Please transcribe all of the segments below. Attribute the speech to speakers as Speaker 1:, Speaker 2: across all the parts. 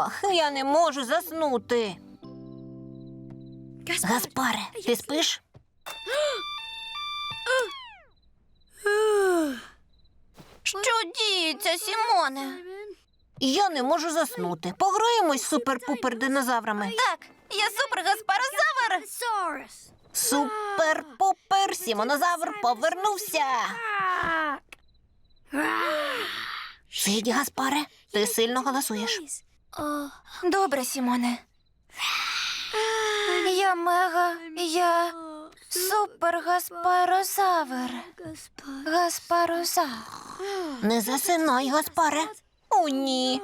Speaker 1: Ах, я не можу заснути. Гаспаре, ти спиш? Що діється, Сімоне? Я не можу заснути. Пограємось з супер-пупер динозаврами. Так, я супер-гаспарозавр. Супер-пупер Сімонозавр повернувся. Сидь, Гаспаре, ти сильно голосуєш. Добре, Сімоне. Я супер-гаспарозавр. Гаспарозавр. Не засинай, Гаспаре. О, ні.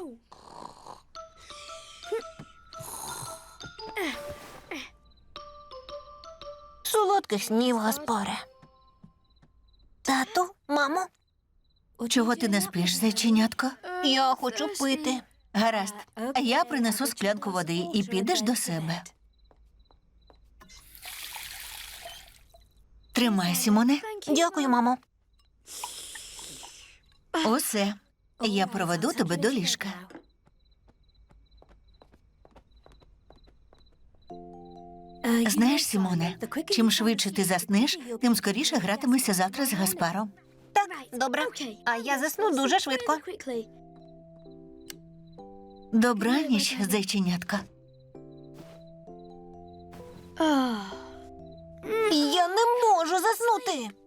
Speaker 1: Солодких снів, Гаспаре. Тату, мамо,
Speaker 2: Чого ти не спиш, зайченятко?
Speaker 1: я хочу пити.
Speaker 2: Гаразд, я принесу склянку води і підеш до себе. Тримай, Сімоне.
Speaker 1: Дякую, мамо.
Speaker 2: Усе. Я проведу тебе до ліжка. Знаєш, Сімоне, чим швидше ти заснеш, тим скоріше гратимешся завтра з Гаспаром.
Speaker 1: Так, добре. А я засну дуже швидко.
Speaker 2: Добраніч, зайченятко.
Speaker 1: Я не можу заснути.